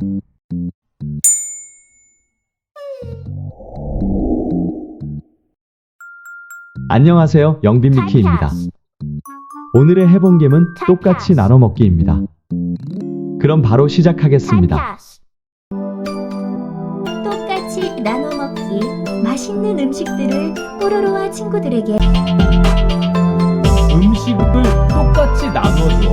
안녕하세요, 영빈미키입니다. 오늘의 해본겜은 똑같이 나눠 먹기입니다. 그럼 바로 시작하겠습니다. 똑같이 나눠 먹기. 맛있는 음식들을 뽀로로와 친구들에게. 음식을 똑같이 나눠줘.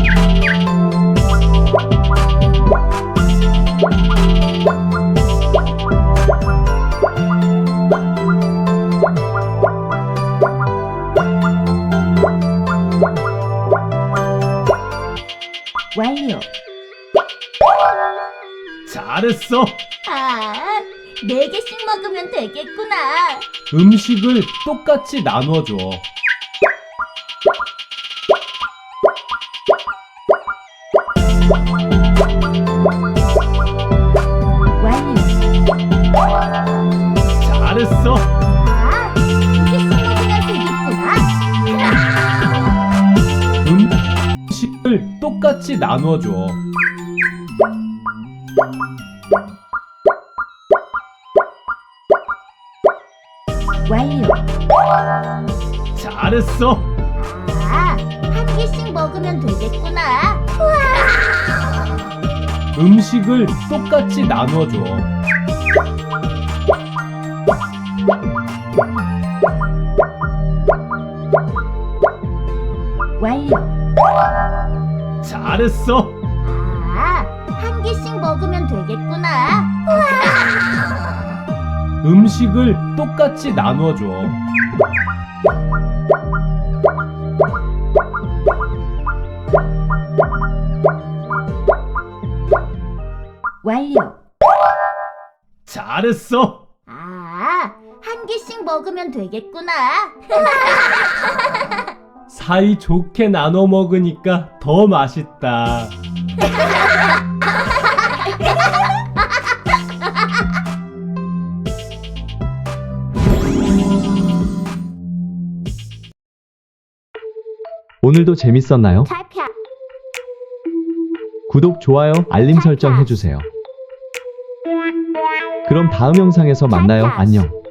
완료. 잘했어. 아, 4개씩 먹으면 되겠구나. 음식을 똑같이 나눠줘. 완료. 잘했어. 아, 2개씩 먹으면 되겠구나. 음식을 똑같이 나눠줘. 완료. 잘했어. 아, 1개씩 먹으면 되겠구나. 음식을 똑같이 나눠줘. 완료. 잘했어. 아, 1개씩 먹으면 되겠구나. 음식을 똑같이 나눠줘. 완료. 잘했어. 아, 1개씩 먹으면 되겠구나. 사이 좋게 나눠 먹으니까 더 맛있다. 오늘도 재밌었나요? 탈피야. 구독, 좋아요, 알림 설정 해주세요. 그럼 다음 영상에서 만나요. 안녕.